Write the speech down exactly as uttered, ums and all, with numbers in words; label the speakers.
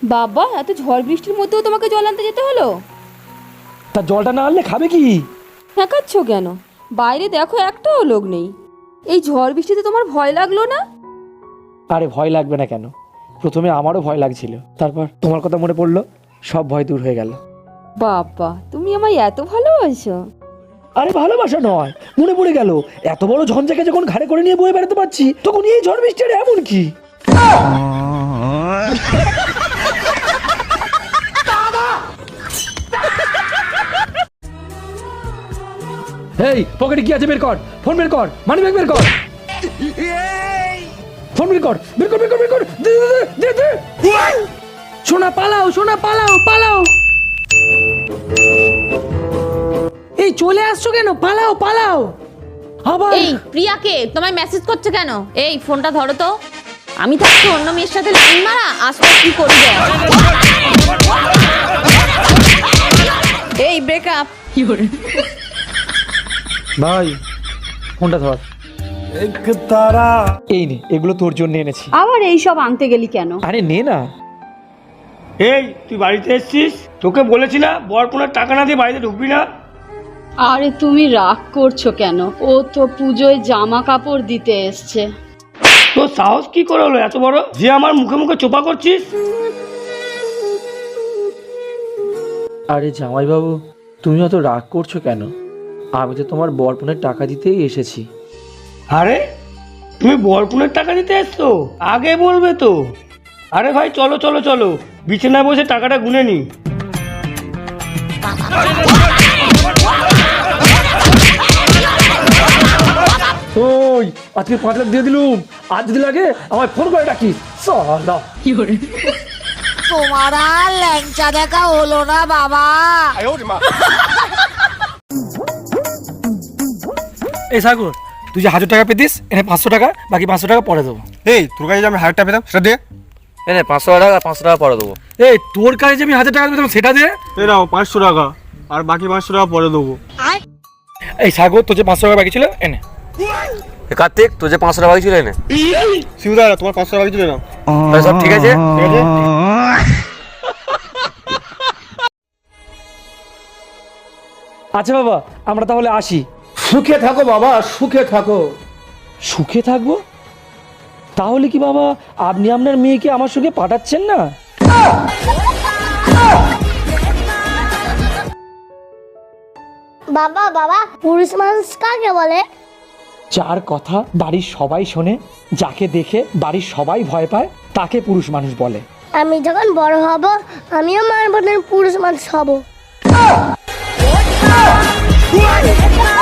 Speaker 1: বাবা, এত ঝড় বৃষ্টির মধ্যেও তোমাকে জল আনতে যেতে হলো?
Speaker 2: তা জলটা না আনলে খাবে কি?
Speaker 1: হ্যাঁকাচ্ছ কেন? বাইরে দেখো, একটাও লোক নেই। এই ঝড় বৃষ্টিতে তোমার ভয় লাগলো না?
Speaker 2: আরে ভয় লাগবে না কেন? প্রথমে আমারও ভয় লাগছিল, তারপর তোমার কথা মনে পড়লো, সব ভয় দূর হয়ে গেল।
Speaker 1: বাবা, তুমি আমায় এত ভালোবাসো?
Speaker 2: আরে ভালোবাসা নয়, মনে পড়ে গেল এত বড় ঝঞ্ঝাকে যখন ঘাড়ে করে নিয়ে বয়ে বেড়াতে পারছি, তখন এই ঝড় বৃষ্টি আর এমন কি? এই পকেটে কি আছে বের কর, ফোন বের কর, মানি ব্যাগ বের কর, ফোন বের কর, বের কর বের কর বের কর, দে দে দে দে। সোনা পালাও, সোনা পালাও পালাও। এই চলে আসছো কেন? পালাও পালাও। আবার
Speaker 3: এই প্রিয়াকে তোমায় মেসেজ করছে কেন? এই ফোনটা ধরো তো। আমি থাকছি অন্য মেয়ের সাথে লাইন মারা, আসলে কি করবে? এই ব্রেকআপ কি করে?
Speaker 2: ভাই ফোনটা ধর। এই নে, এগুলো তোর জন্য এনেছি।
Speaker 4: আবার এই সব আনতে গেলি কেন?
Speaker 2: আরে নে না।
Speaker 5: এই তুই বাড়িতে এসছিস, তোকে বলেছি না বরপুনার টাকা না দিয়ে বাড়িতে ঢুকবি না।
Speaker 4: আরে তুমি রাগ করছো কেন? ও তো পুজোয় জামা কাপড় দিতে এসছে।
Speaker 5: তোর সাহস কি করে হলো এত বড় যে আমার মুখে মুখে চোপা করছিস?
Speaker 2: আরে জামাইবাবু, তুমি অত রাগ করছো কেন? আমি তো তোমার বরপনের টাকা দিতেই এসেছি।
Speaker 5: আরে তুমি বরপুনের টাকা দিতে এসছো? আগে বলবে তো। আরে ভাই চলো চলো চলো, বিছানায় বসে টাকাটা গুনে নি।
Speaker 2: ওই আজকে পাঁচ লাখ দিয়ে দিলুম, আজ যদি লাগে আমায় ফোন করে ডাকিস। সালা
Speaker 6: তোমার আর ল্যাংচা দেখা হলো না বাবা।
Speaker 2: এই সাগর, তুই যে হাজার টাকা পেতিস, এনে পাঁচশো টাকা, বাকি পাঁচশো টাকা পরে দেবো।
Speaker 7: এই তোর কাছে যে আমি হাজার টাকা পেতাম সেটা দে।
Speaker 8: এনে পাঁচশো টাকা পাঁচশো টাকা পরে দেবো।
Speaker 2: এই তোর কাছে যে আমি হাজার টাকা পেতাম সেটা দে।
Speaker 7: এই নাও পাঁচশো টাকা, আর বাকি পাঁচশো টাকা পরে দেবো।
Speaker 2: এই সাগর, তোর যে পাঁচশো টাকা বাকি ছিল এনে।
Speaker 8: কার্তিক, তোর যে পাঁচশো টাকা বাকি ছিল এনে।
Speaker 7: শিবদা তোমার পাঁচশো টাকা বাকি ছিল না?
Speaker 8: তাহলে সব ঠিক আছে,
Speaker 7: ঠিক আছে।
Speaker 2: আচ্ছা বাবা, আমরা তাহলে আসি।
Speaker 7: সুখে থাকো বাবা, সুখে থাকো।
Speaker 2: সুখে থাকবো? তাহলে কি বাবা আপনি আপনার মেয়েকে আমার সঙ্গে পাঠাচ্ছেন না?
Speaker 9: বাবা বাবা, পুরুষ মানুষ কাকে বলে?
Speaker 2: যার কথা বাড়ির সবাই শোনে, যাকে দেখে বাড়ির সবাই ভয় পায়, তাকে পুরুষ মানুষ বলে।
Speaker 9: আমি যখন বড় হব আমিও মার বোনের পুরুষ মানুষ হব।